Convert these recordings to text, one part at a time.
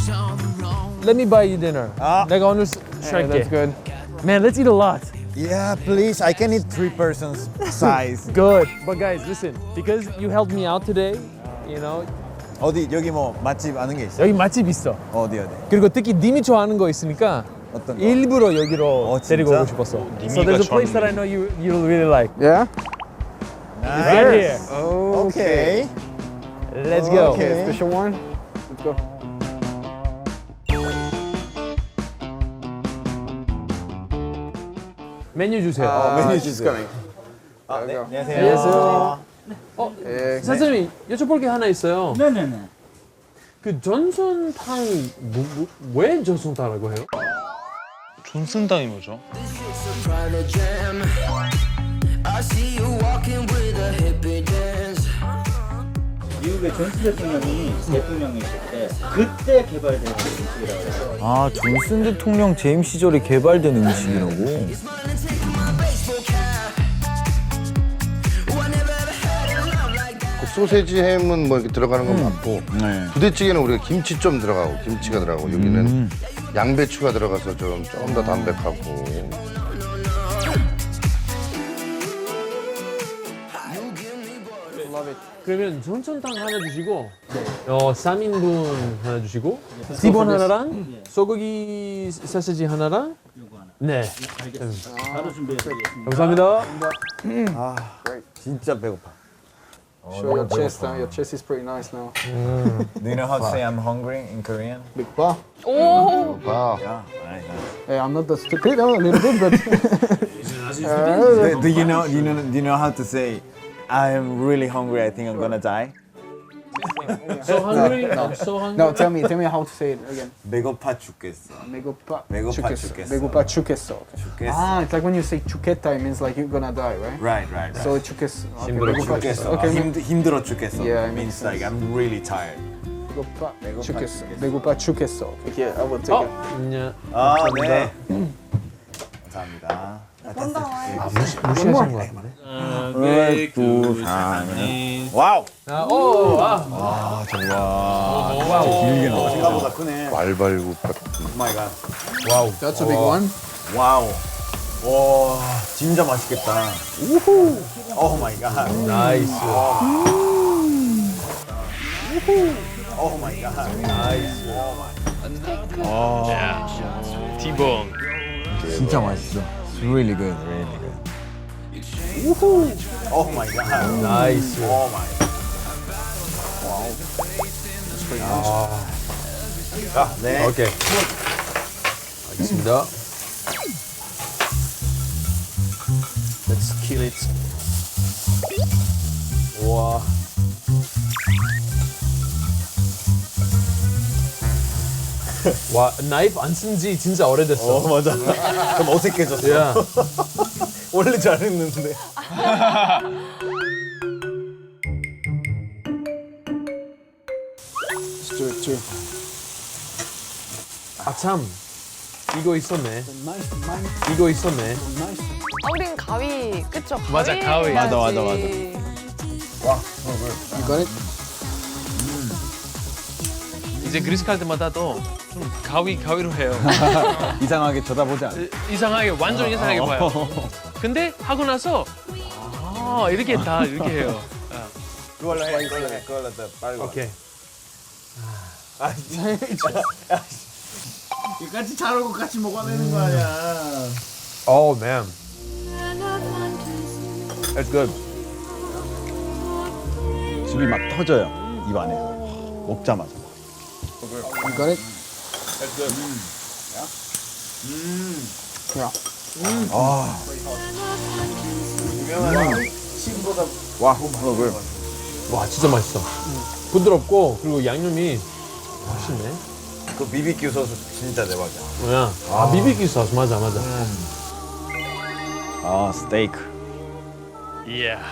Let me buy you dinner. 내가 오늘 Hey, 쉴게. that's good. Man, let's eat a lot. Yeah, please. I can eat 3 persons size. Good. But guys, listen. Because you helped me out today, you know, 어디 여기 뭐 맛집 아는 게 있어? 여기 맛집 있어. 어디? 그리고 특히 님이 좋아하는 거 있으니까 어떤 거? 일부러 여기로 진짜? 데리고 오고 싶었어. So there's a place that I know you'll really like. Yeah? Right here. Okay. Let's go. Okay, special one. Let's go. 메뉴 주세요. 메뉴 She's 주세요. coming. 아, 네. go. 안녕하세요. Yeah. 선생님 여쭤볼 게 하나 있어요. 네네네. 그 전선탕 왜 전선탕이라고 해요? 존슨당이 뭐죠? private jam. I see you walking with a hippie dance. 미국의 존슨 대통령이 대통령이실 때 그때 개발된 음식이라고 해요. 아, 존슨 대통령 재임 시절에 개발된 음식이라고? Smiling, taking my baseball cap. Oh, I never ever had a love like that. 그 소세지 햄은 뭐 이렇게 들어가는 건 맞고 네. 부대찌개는 우리가 김치 좀 들어가고 김치가 들어가고 여기는 양배추가 들어가서 좀 더 담백하고 그러면 전선탕 하나 주시고 3인분 하나 주시고 티본 하나랑 소고기 소시지 하나랑 네 바로 준비해드리겠습니다. 감사합니다. 진짜 배고파. Show your chest. Your chest is pretty nice now. Do you know how to say I'm hungry in Korean? Big pa. 봐. Yeah. Right. Hey, I'm not that stupid. A little bit, but. Do you know how to say I am really hungry, I think I'm gonna die? So hungry? I'm so hungry. No, tell me how to say it again. 배고파 죽겠어. Megopa 배고파 chukesо. 죽겠어. Megopa chukesо. Okay. 죽겠어. Ah, it's like when you say chuketa, it means like you're gonna die, right? Right. So chukesо. Okay, 힘들어 megopa 죽겠어. Okay, 힘들어 죽겠어. Yeah, it means makes like I'm really tired. megopa 배고파 chukesо. 죽겠어. Megopa chukeso. Okay, I will take it. 네. 아, 네. 감사합니다. 무시하신 것 같은데. 와우. 와. 길게 나와. 생각보다 크네. 말발굽 오 마이 갓. That's a big one. 와우. 와, 진짜 맛있겠다. 우후. 오 마이 갓. 나이스. 오 마이 갓. 티본. 진짜 맛있어. It's really good, really good. 우후. 오 마이 갓. 나이스. 오 마이 갓. 아, 네. 오케이. 알겠습니다. Let's kill it. 와. 와, 나이프 안 쓴 지 진짜 오래됐어. 맞아. 좀 어색해졌어. 야. 원래 잘했는데. Let's do it too. 아, 참. 이거 있었네. Nice, nice, 이거 있었네. nice. 아, 우린 가위, 그쵸? 맞아, 가위. 맞아, 맞아, 해야지. You got it? 이제 그리스 갈 때마다도 좀 가위로 해요. 이상하게 쳐다보지 않아. 이상하게 완전 이상하게 봐요. 근데 하고 나서 이렇게 다 이렇게 해요. 그걸로 해. 그걸로 더 빨리. 오케이. 같이 자르고 같이 먹어내는 거 아니야. Oh man. That's good. 즙이 막 터져요. 입 안에. 먹자마자. You got it? Yeah. 와, 그걸. 와, 진짜 맛있어. 부드럽고 그리고 양념이 맛있네. 그 BBQ 소스 진짜 대박이야. 뭐야? 아, BBQ 소스 맞아. 아, 스테이크. 이야.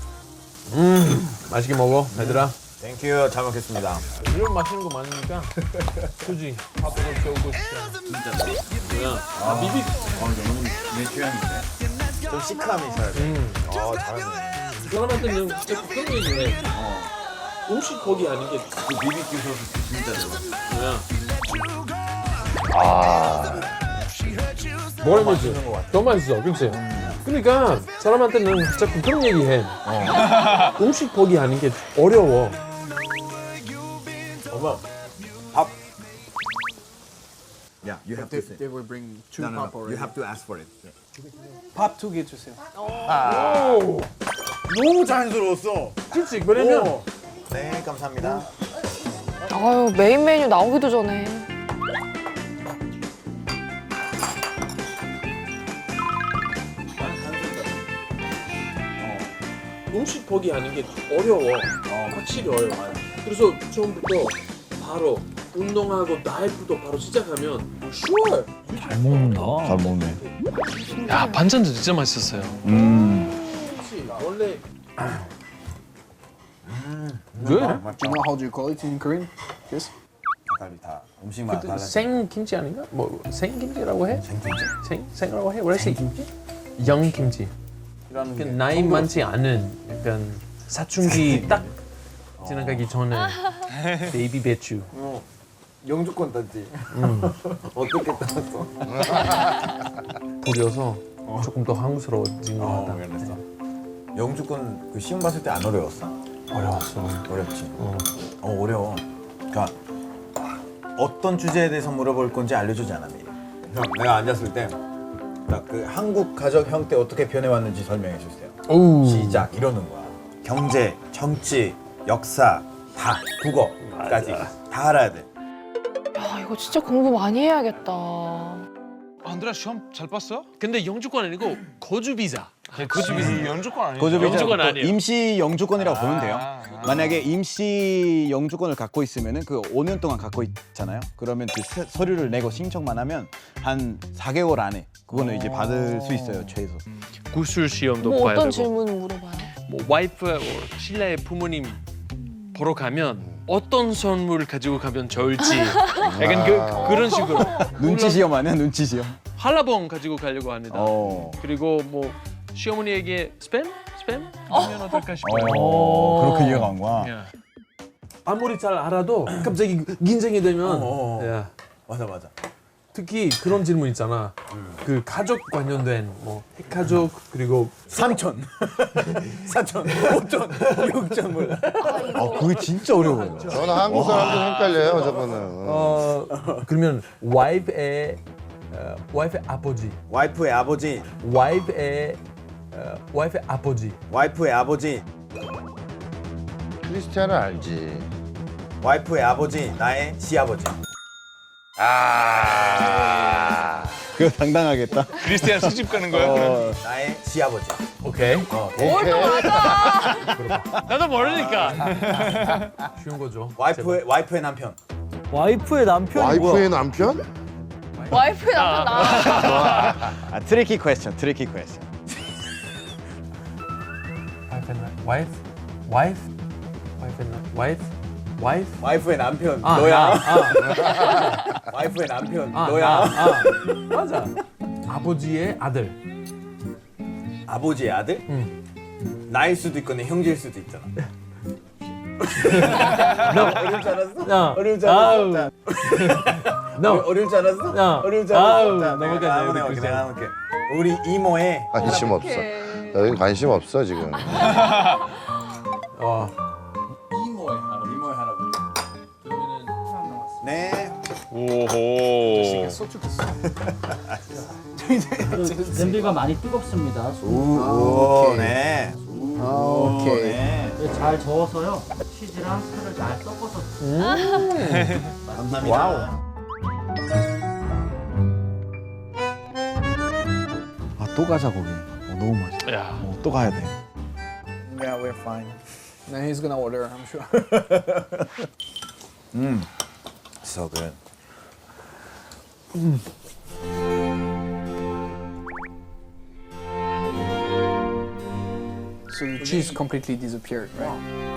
맛있게 먹어, 얘들아. 땡큐. 잘 먹겠습니다. 이런 맛있는 거 많으니까 굳이 밥을 채우고 싶다. 뭐야? 아, BBQ. 내 취향인데. 좀 시크함이 있어야 돼. 잘하네. 사람한테는 그런 거 있네. 음식 거기 아닌 게 그 BBQ 소스 진짜 대박. 뭐야? 뭐라 해야지? 더 맛있어, 그치? 그러니까 사람한테는 자꾸 그런 얘기해. 음식 포기하는 게 어려워. 엄마, 밥. Yeah, you have to say. They will bring two No, no, pop no. already. You have to ask for it. 팝 2개 주세요. 너무 자연스러웠어. 그치? 그러면 네, 감사합니다. 아유, 메인 메뉴 나오기도 전에. 음식 포기하는 게 어려워. 확실히 어려워. 그래서 처음부터 바로 운동하고 다이어트도 바로 시작하면 sure. 잘 먹네. 야 반찬도 진짜 맛있었어요. 그치? 원래 Do you know how do you call it in Korean? Yes. 다 음식마다 달라. 생김치 아닌가? 뭐 생김치라고 해? 생이라고 해? 원래 생김치? 영김치. 그 나이 많지 않은 약간 사춘기 딱 지나가기 전에 베이비 배추. 영주권 땄지. 어떻게 땄어? 뿌려서 조금 더 한국스러워진 것 같다. 그랬어. 영주권 그 시험 봤을 때 안 어려웠어? 어려웠어. 어렵지. 어려워. 그러니까 어떤 주제에 대해서 물어볼 건지 알려주지 않아 미리. 형, 내가 앉았을 때 딱 그 한국 가족 형태 어떻게 변해왔는지 설명해 주세요. 오우. 시작 이러는 거야. 경제, 정치, 역사, 다 국어까지 다 알아야 돼. 야, 이거 진짜 공부 많이 해야겠다. 안드레아 시험 잘 봤어요? 근데 영주권 아니고 거주 비자. 거주 비자. 연주권 아니에요? 거주 비자 영주권 아니에요. 임시 영주권이라고 보면 돼요. 만약에 임시 영주권을 갖고 있으면은 그 5년 동안 갖고 있잖아요. 그러면 그 서류를 내고 신청만 하면 한 4개월 안에 그거는 이제 받을 수 있어요 최소. 구술 시험도 뭐 봐야 어떤 되고. 질문을 물어봐요? 뭐 와이프, 신라의 부모님 보러 가면 어떤 선물 가지고 가면 좋을지 약간 그런 식으로 눈치 시험 아니야 눈치 시험. 한라봉 가지고 가려고 합니다. 그리고 뭐 시어머니에게 스팸 하면 어떨까 싶어요. 그렇게 이해가 간 거야. 야. 아무리 잘 알아도 갑자기 긴장이 되면 야, 맞아. 특히 그런 질문 있잖아. 그 가족 관련된 뭐 핵가족 그리고 삼촌, 사촌, 오촌, 육촌 몰라. 그게 진짜 어려워요. 저는 한국 사람들 헷갈려요, 저거는. 그러면 와이프의 아버지, 와이프의 아버지, 와이프의 아버지, 와이프의 아버지, 크리스티아는 알지. 와이프의 아버지, 나의 시아버지. 그거 당당하겠다. 크리스티안 수집 가는 거야? 나의 시아버지. 오케이. 나도 모르니까. 쉬운 거죠. 와이프의 남편. 와이프의 남편이 와이프의 남편? 와이프의 남편 나. 트리키 퀘스천, 트리키 퀘스천. 와이프의 남편 너야. 와이프의 남편 너야. 맞아. 아버지의 아들. 아버지의 아들? 나일 수도 있고 내 형제일 수도 있잖아. 어려울 줄 알았어? 어려울 줄 알았어? 어려울 줄 알았어? 어려울 줄 알았어? 넘어갈게. 우리 이모의 관심 없어. 여기 관심 없어, 지금. 이모의 할아버지. 네. 오호. 냄비가 많이 뜨겁습니다. 오, 네. 오케이. 네. 잘 저어서요. 치즈랑 살을 잘 섞어서. 감사합니다. 와우. 또 가자 거기. 너무 맛있어. 야. 또 가야 돼. Yeah, we're fine. Then he's gonna order, I'm sure. So good. So the cheese completely disappeared, right?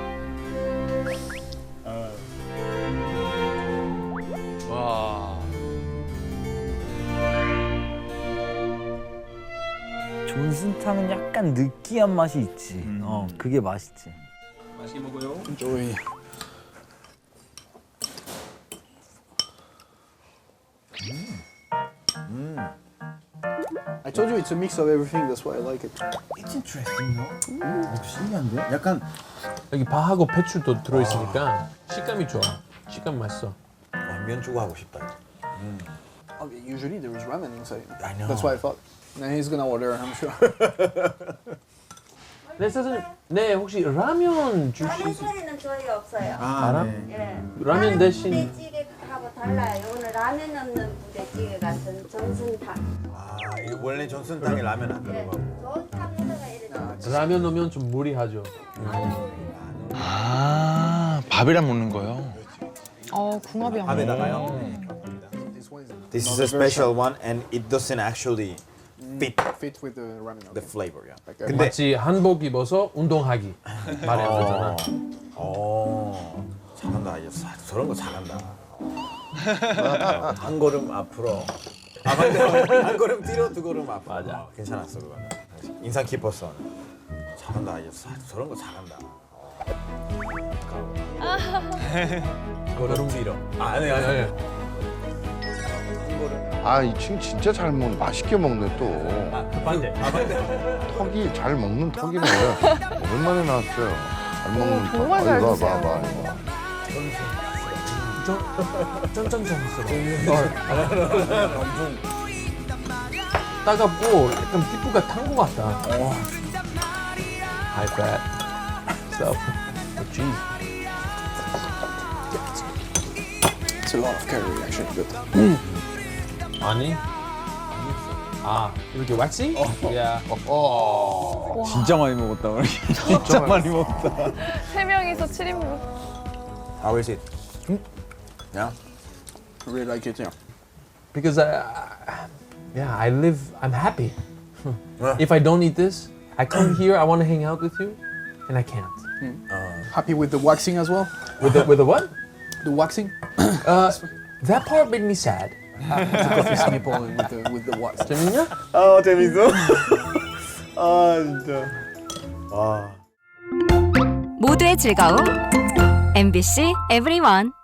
와. 존슨탕은 약간 느끼한 맛이 있지. 그게 맛있지. Enjoy. told you it's a mix of everything. That's why I like it. It's interesting, no? 신기한데? 약간 여기 파하고 배추도 들어있으니까 식감이 좋아. 식감 맛있어. 면주고 하고 싶다. Okay, usually there is ramen inside. I know. That's why I thought. Now he's gonna order, I'm sure. 네 사장님, 네 혹시 라면 주시? 라면사리는 저희 없어요. 알아? 예. 라면 대신 부대찌개하고 달라요. 오늘 라면 없는 부대찌개 같은 전순탕. 아, 이거 원래 전순탕에 라면 안 예. 들어가고. 전탕에다가 이렇게. 라면 넣으면 좀 무리하죠. 아, 밥이랑 먹는 거요? 궁합이 안 맞아. 밥에다가요. This one is This is a special one and it doesn't actually fit with the ramen. the Okay. flavor. Yeah. Like, 근데 마치 한복 입어서 운동하기 말이 안 되잖아. 잘한다. 저런 거 잘한다. 한 걸음 앞으로. 아 근데 한 걸음 뒤로 두 걸음 앞으로. 맞아. 괜찮았어 그거. 인상 깊었어. 잘한다. 저런 거 잘한다. 걸음 뒤로. 아니. 아, 이 친구 진짜 잘 먹는, 맛있게 먹네 또. 반대. 턱이 잘 먹는 턱이네. 오랜만에 나왔어요. 잘 먹는 턱. 정말 잘 이거 드세요. 봐봐, 이거. 쫀쫀쫀했어. 따갑고 약간 피부가 탄 것 같다. High fat stuff. Cheese. It's a lot of curry actually, but 아니? 아 이렇게 왁싱? 야. 진짜 많이 먹었다. 우리. 진짜 많이 먹었다. 3명이서 7인분. How is it? Yeah. I really like it, yeah. Because I live. I'm happy. If I don't eat this, I come here. I want to hang out with you, and I can't. Happy with the waxing as well? With the what? The waxing? That part made me sad. Coffee sample with the wax. 재밌냐? 재밌어. 진짜. 와. 모두의 즐거움 MBC EVERYONE